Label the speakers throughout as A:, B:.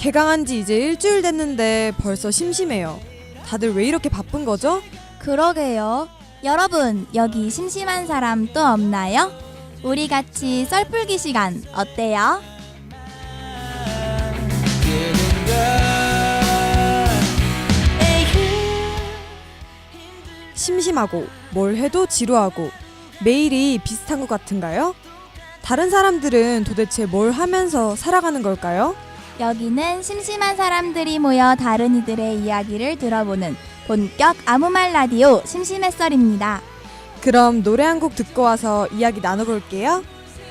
A: 개강한 지 이제 일주일 됐는데 벌써 심심해요. 다들 왜 이렇게 바쁜 거죠?
B: 그러게요. 여러분, 여기 심심한 사람 또 없나요? 우리 같이 썰풀기 시간 어때요?
A: 심심하고 뭘 해도 지루하고 매일이 비슷한 것 같은가요? 다른 사람들은 도대체 뭘 하면서 살아가는 걸까요?
B: 여기는 심심한 사람들이 모여 다른 이들의 이야기를 들어보는 본격 아무말 라디오 심심해썰입니다.
A: 그럼 노래 한 곡 듣고 와서 이야기 나눠볼게요.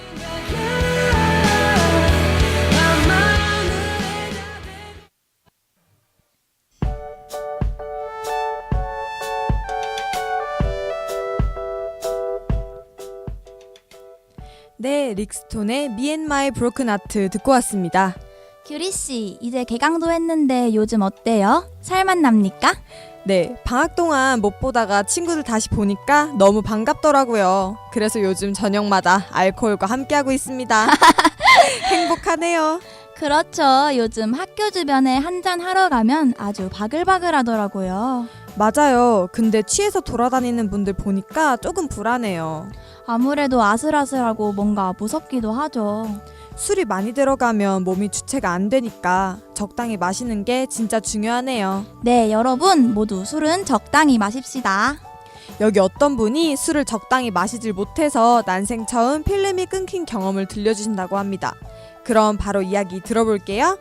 A: 네, 릭스톤의 Me and My Broken Heart 듣고 왔습니다.
B: 규리씨, 이제 개강도 했는데 요즘 어때요? 살만 납니까?
A: 네, 방학 동안 못 보다가 친구들 다시 보니까 너무 반갑더라고요. 그래서 요즘 저녁마다 알코올과 함께하고 있습니다. 행복하네요.
B: 그렇죠. 요즘 학교 주변에 한잔 하러 가면 아주 바글바글하더라고요.
A: 맞아요. 근데 취해서 돌아다니는 분들 보니까 조금 불안해요.
B: 아무래도 아슬아슬하고 뭔가 무섭기도 하죠.
A: 술이 많이 들어가면 몸이 주체가 안 되니까 적당히 마시는 게 진짜 중요하네요.
B: 네, 여러분 모두 술은 적당히 마십시다.
A: 여기 어떤 분이 술을 적당히 마시질 못해서 난생 처음 필름이 끊긴 경험을 들려주신다고 합니다. 그럼 바로 이야기 들어볼게요.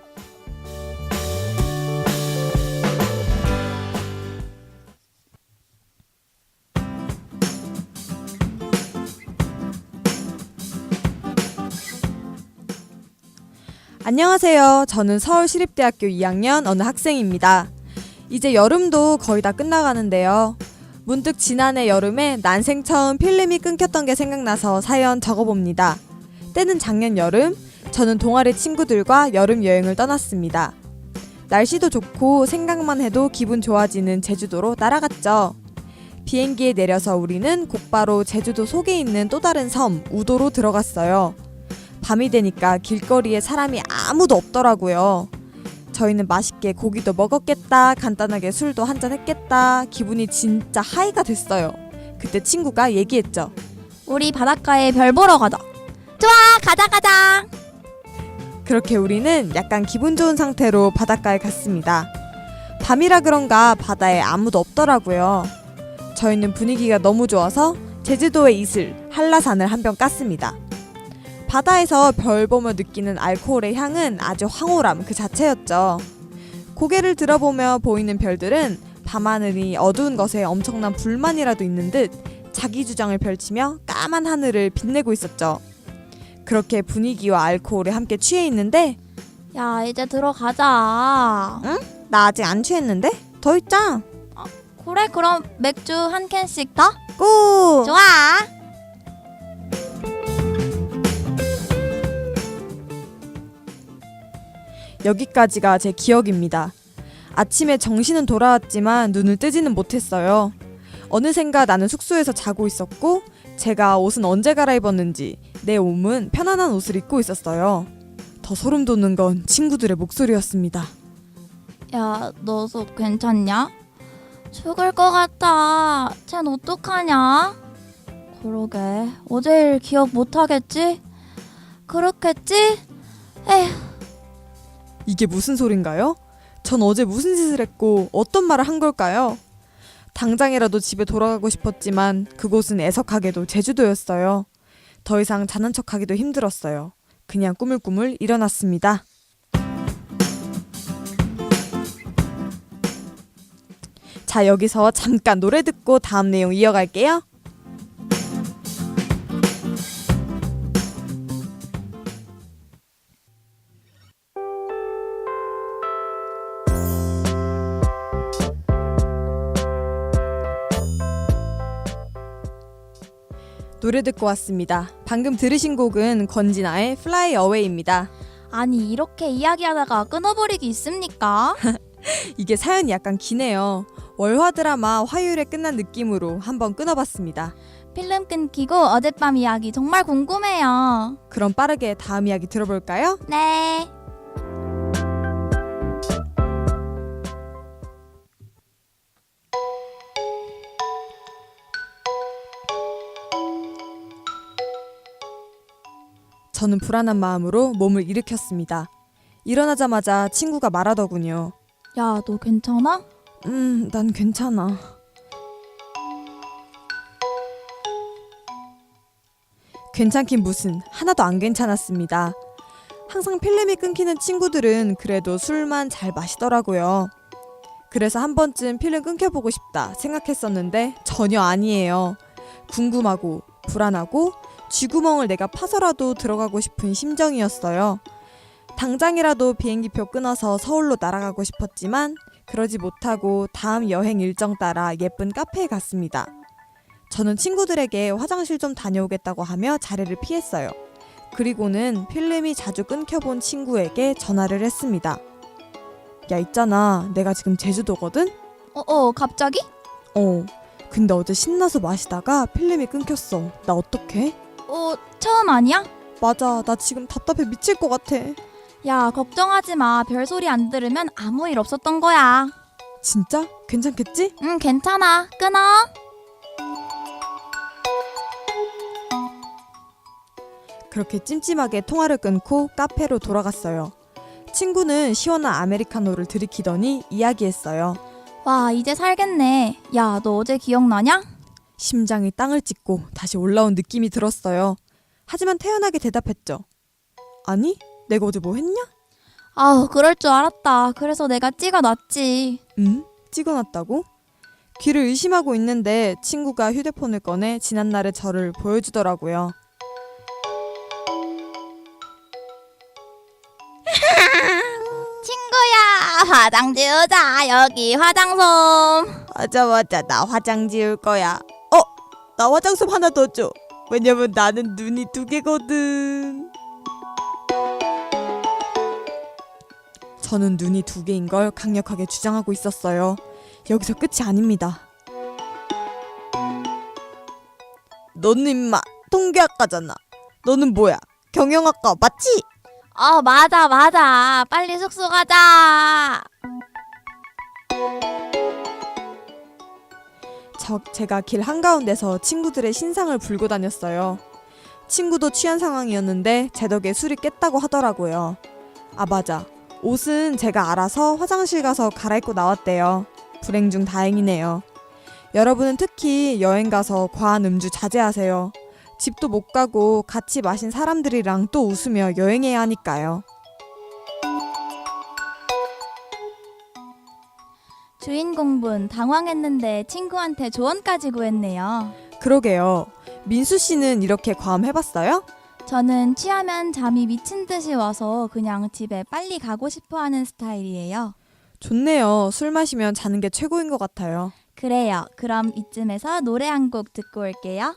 A: 안녕하세요. 저는 서울시립대학교 2학년 어느 학생입니다. 이제 여름도 거의 다 끝나가는데요. 문득 지난해 여름에 난생 처음 필름이 끊겼던 게 생각나서 사연 적어봅니다. 때는 작년 여름, 저는 동아리 친구들과 여름 여행을 떠났습니다. 날씨도 좋고 생각만 해도 기분 좋아지는 제주도로 날아갔죠. 비행기에 내려서 우리는 곧바로 제주도 속에 있는 또 다른 섬, 우도로 들어갔어요. 밤이 되니까 길거리에 사람이 아무도 없더라고요. 저희는 맛있게 고기도 먹었겠다, 간단하게 술도 한잔 했겠다, 기분이 진짜 하이가 됐어요. 그때 친구가 얘기했죠.
B: 우리 바닷가에 별 보러 가자. 좋아, 가자.
A: 그렇게 우리는 약간 기분 좋은 상태로 바닷가에 갔습니다. 밤이라 그런가 바다에 아무도 없더라고요. 저희는 분위기가 너무 좋아서 제주도의 이슬, 한라산을 한 병 깠습니다. 바다에서 별 보며 느끼는 알코올의 향은 아주 황홀함 그 자체였죠. 고개를 들어보며 보이는 별들은 밤하늘이 어두운 것에 엄청난 불만이라도 있는 듯 자기 주장을 펼치며 까만 하늘을 빛내고 있었죠. 그렇게 분위기와 알코올에 함께 취해 있는데
B: 야, 이제 들어가자.
A: 응? 나 아직 안 취했는데? 더 있자.
B: 그래, 그럼 맥주 한 캔씩 더?
A: 고!
B: 좋아.
A: 여기까지가 제 기억입니다. 아침에 정신은 돌아왔지만 눈을 뜨지는 못했어요. 어느샌가 나는 숙소에서 자고 있었고 제가 옷은 언제 갈아입었는지 내 몸은 편안한 옷을 입고 있었어요. 더 소름 돋는 건 친구들의 목소리였습니다.
B: 야, 너 속 괜찮냐? 죽을 것 같아. 쟨 어떡하냐? 그러게, 어제 일 기억 못하겠지? 그렇겠지? 에휴.
A: 이게 무슨 소린가요? 전 어제 무슨 짓을 했고 어떤 말을 한 걸까요? 당장이라도 집에 돌아가고 싶었지만 그곳은 애석하게도 제주도였어요. 더 이상 자는 척하기도 힘들었어요. 그냥 꾸물꾸물 일어났습니다. 자, 여기서 잠깐 노래 듣고 다음 내용 이어갈게요. 노래 듣고 왔습니다. 방금 들으신 곡은 권진아의 Fly Away입니다.
B: 아니, 이렇게 이야기하다가 끊어버리기 있습니까?
A: 이게 사연이 약간 기네요. 월화 드라마 화요일에 끝난 느낌으로 한번 끊어봤습니다.
B: 필름 끊기고 어젯밤 이야기 정말 궁금해요.
A: 그럼 빠르게 다음 이야기 들어볼까요?
B: 네.
A: 저는 불안한 마음으로 몸을 일으켰습니다. 일어나자마자 친구가 말하더군요.
B: 야, 너 괜찮아?
A: 난 괜찮아. 괜찮긴 무슨, 하나도 안 괜찮았습니다. 항상 필름이 끊기는 친구들은 그래도 술만 잘 마시더라고요. 그래서 한 번쯤 필름 끊겨보고 싶다 생각했었는데 전혀 아니에요. 궁금하고 불안하고 쥐구멍을 내가 파서라도 들어가고 싶은 심정이었어요. 당장이라도 비행기표 끊어서 서울로 날아가고 싶었지만 그러지 못하고 다음 여행 일정 따라 예쁜 카페에 갔습니다. 저는 친구들에게 화장실 좀 다녀오겠다고 하며 자리를 피했어요. 그리고는 필름이 자주 끊겨본 친구에게 전화를 했습니다. 야, 있잖아. 내가 지금 제주도거든?
B: 갑자기?
A: 근데 어제 신나서 마시다가 필름이 끊겼어. 나 어떡해?
B: 처음 아니야?
A: 맞아. 나 지금 답답해 미칠 것 같아.
B: 야, 걱정하지 마. 별소리 안 들으면 아무 일 없었던 거야.
A: 진짜? 괜찮겠지?
B: 응, 괜찮아. 끊어.
A: 그렇게 찜찜하게 통화를 끊고 카페로 돌아갔어요. 친구는 시원한 아메리카노를 들이키더니 이야기했어요.
B: 와, 이제 살겠네. 야, 너 어제 기억나냐?
A: 심장이 땅을 찍고 다시 올라온 느낌이 들었어요. 하지만 태연하게 대답했죠. 아니, 내가 어제 뭐 했냐?
B: 아우, 그럴 줄 알았다. 그래서 내가 찍어놨지.
A: 찍어놨다고? 귀를 의심하고 있는데 친구가 휴대폰을 꺼내 지난날의 저를 보여주더라고요.
B: 친구야, 화장 지우자. 여기 화장솜.
A: 맞아, 나 화장 지울 거야. 나 화장솜 하나 더 줘. 왜냐면 나는 눈이 2개거든. 저는 눈이 2개인 걸 강력하게 주장하고 있었어요. 여기서 끝이 아닙니다. 너는 임마 통계학과잖아. 너는 뭐야? 경영학과 맞지?
B: 맞아. 빨리 숙소 가자.
A: 제가 길 한가운데서 친구들의 신상을 불고 다녔어요. 친구도 취한 상황이었는데 제 덕에 술이 깼다고 하더라고요. 맞아. 옷은 제가 알아서 화장실 가서 갈아입고 나왔대요. 불행 중 다행이네요. 여러분은 특히 여행 가서 과한 음주 자제하세요. 집도 못 가고 같이 마신 사람들이랑 또 웃으며 여행해야 하니까요.
B: 주인공분 당황했는데 친구한테 조언까지 구했네요.
A: 그러게요. 민수 씨는 이렇게 과음해봤어요?
B: 저는 취하면 잠이 미친 듯이 와서 그냥 집에 빨리 가고 싶어 하는 스타일이에요.
A: 좋네요. 술 마시면 자는 게 최고인 것 같아요.
B: 그래요. 그럼 이쯤에서 노래 한 곡 듣고 올게요.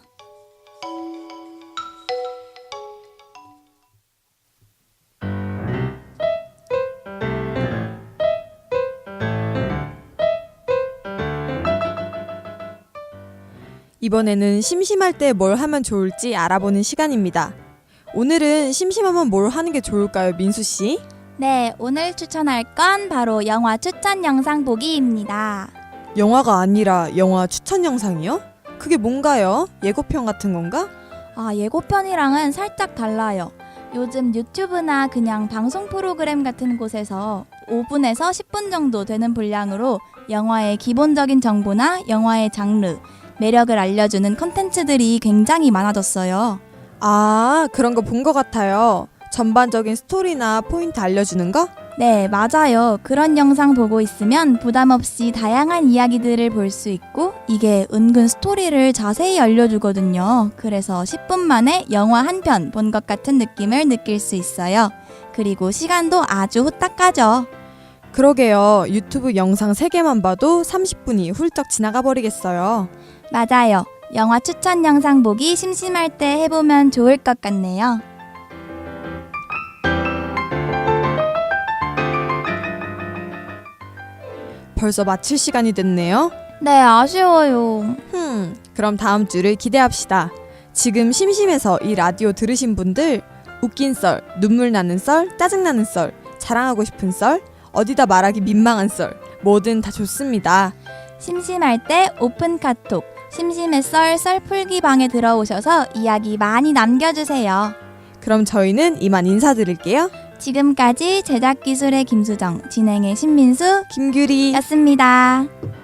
A: 이번에는 심심할 때 뭘 하면 좋을지 알아보는 시간입니다. 오늘은 심심하면 뭘 하는 게 좋을까요, 민수 씨?
B: 네, 오늘 추천할 건 바로 영화 추천 영상 보기입니다.
A: 영화가 아니라 영화 추천 영상이요? 그게 뭔가요? 예고편 같은 건가?
B: 예고편이랑은 살짝 달라요. 요즘 유튜브나 그냥 방송 프로그램 같은 곳에서 5분에서 10분 정도 되는 분량으로 영화의 기본적인 정보나 영화의 장르, 매력을 알려주는 콘텐츠들이 굉장히 많아졌어요.
A: 그런 거 본 것 같아요. 전반적인 스토리나 포인트 알려주는 거?
B: 네, 맞아요. 그런 영상 보고 있으면 부담 없이 다양한 이야기들을 볼 수 있고 이게 은근 스토리를 자세히 알려주거든요. 그래서 10분 만에 영화 한 편 본 것 같은 느낌을 느낄 수 있어요. 그리고 시간도 아주 후딱 가죠.
A: 그러게요. 유튜브 영상 3개만 봐도 30분이 훌쩍 지나가 버리겠어요.
B: 맞아요. 영화 추천 영상 보기 심심할 때 해보면 좋을 것 같네요.
A: 벌써 마칠 시간이 됐네요.
B: 네, 아쉬워요.
A: 그럼 다음 주를 기대합시다. 지금 심심해서 이 라디오 들으신 분들 웃긴 썰, 눈물 나는 썰, 짜증나는 썰, 자랑하고 싶은 썰, 어디다 말하기 민망한 썰 뭐든 다 좋습니다.
B: 심심할 때 오픈 카톡 심심의 썰 풀기 방에 들어오셔서 이야기 많이 남겨주세요.
A: 그럼 저희는 이만 인사드릴게요.
B: 지금까지 제작기술의 김수정, 진행의 신민수,
A: 김규리
B: 였습니다.